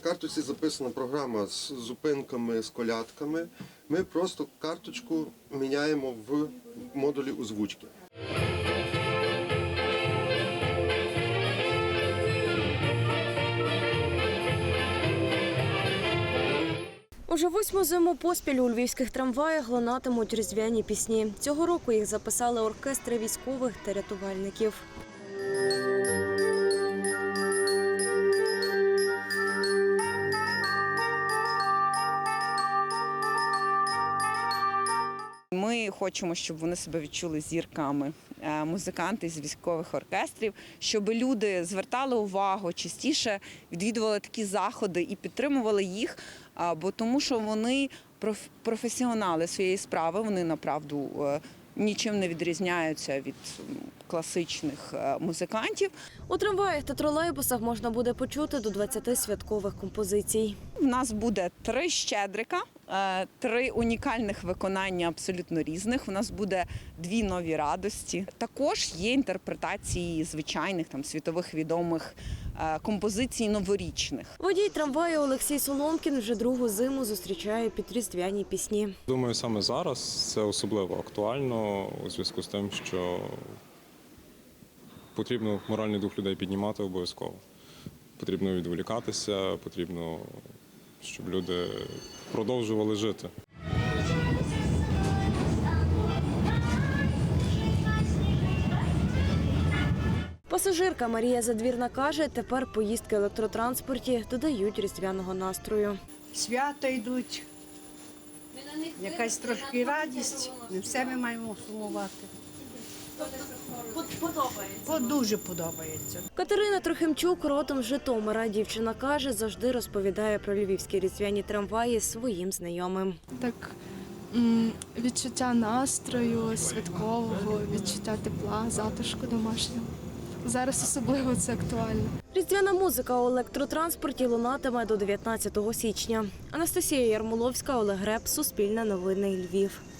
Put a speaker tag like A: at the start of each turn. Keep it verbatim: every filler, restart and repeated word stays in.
A: карточці записана програма з зупинками, з колядками. Ми просто карточку міняємо в модулі озвучки.
B: Уже восьму зиму поспіль у львівських трамваях лунатимуть різдвяні пісні. Цього року їх записали оркестри військових та рятувальників.
C: Ми хочемо, щоб вони себе відчули зірками, музиканти з військових оркестрів, щоб люди звертали увагу, частіше відвідували такі заходи і підтримували їх, бо тому що вони професіонали своєї справи, вони направду нічим не відрізняються від класичних музикантів.
B: У трамваях та тролейбусах можна буде почути до двадцяти святкових композицій.
C: У нас буде три щедрика, три унікальних виконання абсолютно різних. У нас буде дві нові радості. Також є інтерпретації звичайних там світових відомих композицій новорічних.
B: Водій трамваю Олексій Соломкін вже другу зиму зустрічає під різдвяні пісні.
D: Думаю, саме зараз це особливо актуально у зв'язку з тим, що потрібно моральний дух людей піднімати обов'язково. Потрібно відволікатися, потрібно, щоб люди продовжували жити.
B: Пасажирка Марія Задвірна каже, тепер поїздки в електротранспорті додають різдвяного настрою.
E: Свята йдуть, якась трошки радість, не все ми маємо сумувати. Подобається? Дуже подобається.
B: Катерина Трохимчук родом з Житомира. Дівчина каже, завжди розповідає про львівські різдвяні трамваї своїм знайомим.
F: Так, відчуття настрою, святкового, відчуття тепла, затишку домашнього. Зараз особливо це актуально.
B: Різдвяна музика у електротранспорті лунатиме до дев'ятнадцятого січня. Анастасія Ярмоловська, Олег Греб, Суспільне новини, Львів.